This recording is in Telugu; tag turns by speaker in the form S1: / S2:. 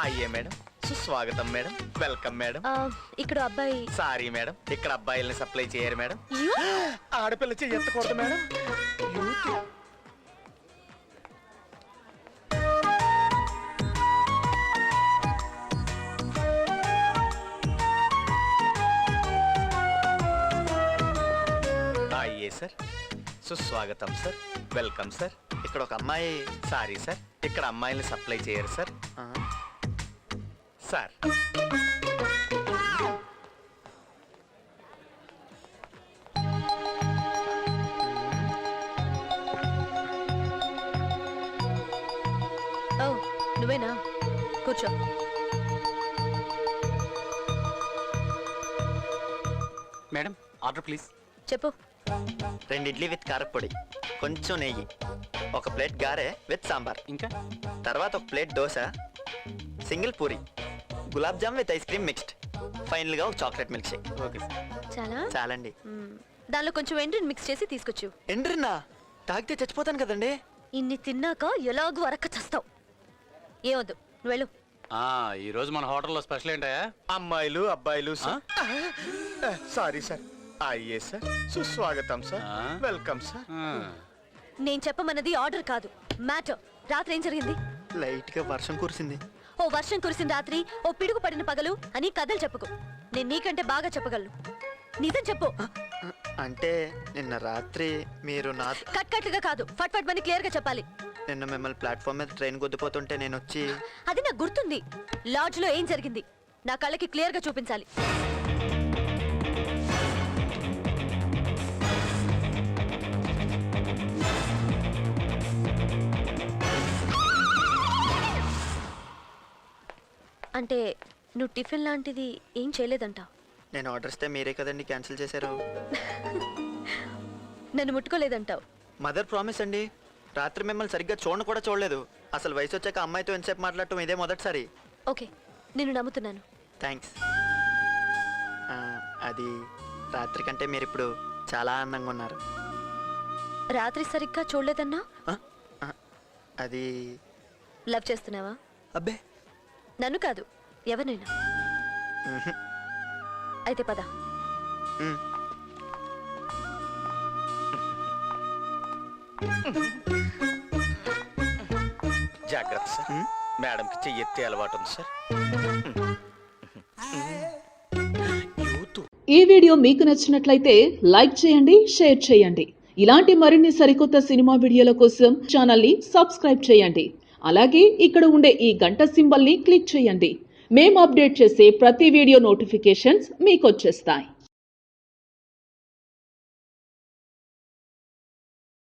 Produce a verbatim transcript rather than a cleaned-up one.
S1: అయ్యే మేడం, సుస్వాగతం మేడం, వెల్కమ్ మేడం.
S2: ఇక్కడ అబ్బాయి.
S1: సారీ మేడం, ఇక్కడ అబ్బాయిల్ని సప్లై చేయరు మేడం. ఆడపిల్ల చెయ్యి ఎత్తకూడదు మేడం. అయ్యే సార్, సుస్వాగతం సార్, వెల్కమ్ సార్. ఇక్కడ ఒక అమ్మాయి. సారీ సార్, ఇక్కడ అమ్మాయిల్ని సప్లై చేయరు సార్. సార్
S2: ఓ నువ్వేనా? కూర్చో.
S3: Madam order please.
S2: చెప్పు.
S1: రెండు ఇడ్లీ విత్ కారపొడి, కొంచెం నెయ్యి, ఒక ప్లేట్ గారె విత్ సాంబార్,
S3: ఇంకా
S1: తర్వాత ఒక plate dosa, single puri, gulab jam with ice cream mixed, final గా ఒక chocolate milkshake.
S3: Okay sir.
S2: చాలా
S1: చాలండి.
S2: దానిలో కొంచెం ఎండ్రిన్ మిక్స్ చేసి తీసుకొచ్చు.
S1: ఎండ్రిన్నా? తాగితే చచ్చిపోతాను కదండి.
S2: ఇన్ని తిన్నాక ఎలాగూ అరక్క చస్తావు. ఏవద్దు, నువ్వు వెళ్ళు.
S3: ఈ రోజు మన హోటల్లో స్పెషల్ ఏంటయా?
S1: అమ్మాయిలు అబ్బాయిలు. Sorry sir. అయ్యే సార్, సుస్వాగతం సార్, వెల్కమ్ సార్.
S2: నేను చెప్పమన్నది ఆర్డర్ కాదు, మ్యాటర్. రాత్రి ఏం జరిగింది?
S1: లైట్ గా వర్షం కురిసింది.
S2: ఓ వర్షం కురిసిన రాత్రి, ఓ పిడుగు పడిన పగలు అని కథలు చెప్పుకో. నేను నీకంటే బాగా చెప్పగలను. నిజం చెప్పు.
S1: అంటే నిన్న రాత్రి మీరు నా
S2: కట్ కట్లుగా కాదు, ఫట్ ఫట్ మని క్లియర్ గా చెప్పాలి.
S1: నిన్న మిమ్మల్ని ప్లాట్ఫామ్ మీద ట్రైన్ గుద్దిపోతుంటే నేను వచ్చి.
S2: అది నాకు గుర్తుంది. లాడ్జ్ లో ఏం జరిగింది నా కళ్ళకి క్లియర్ గా చూపించాలి. అంటే నువ్వు టిఫిన్ లాంటిది ఏం చేయలేదంట?
S1: నేను ఆర్డర్ ఇస్తే మీరే కదండి క్యాన్సిల్ చేశారు.
S2: నన్ను ముట్టుకోలేదంటావు.
S1: మదర్ ప్రామిస్ అండి. రాత్రి మిమ్మల్ని సరిగ్గా చూడను కూడా చూడలేదు. అసలు వయసు వచ్చాక అమ్మాయితో ఎంతసేపు మాట్లాడటం ఇదే మొదటిసారి.
S2: ఓకే, నేను నమ్ముతున్నాను.
S1: థ్యాంక్స్. అది రాత్రి కంటే మీరు ఇప్పుడు చాలా ఆనందంగా ఉన్నారు.
S2: రాత్రి సరిగ్గా చూడలేదన్నా?
S1: అది
S2: లవ్ చేస్తున్నావా?
S1: అబ్బే,
S2: నన్ను కాదు, ఎవరినైనా. అయితే పద.
S1: జాగ్రత్త సార్, మేడంకి చెయ్యి ఎత్తే అలవాటు ఉంది సార్.
S4: ఈ వీడియో మీకు నచ్చినట్లయితే లైక్ చేయండి, షేర్ చేయండి. ఇలాంటి మరిన్ని సరికొత్త సినిమా వీడియోల కోసం ఛానల్ ని సబ్స్క్రైబ్ చేయండి. అలాగే ఇక్కడ ఉండే ఈ గంట సింబల్ ని క్లిక్ చేయండి. మేము అప్డేట్ చేసే ప్రతి వీడియో నోటిఫికేషన్స్ మీకు వచ్చేస్తాయి.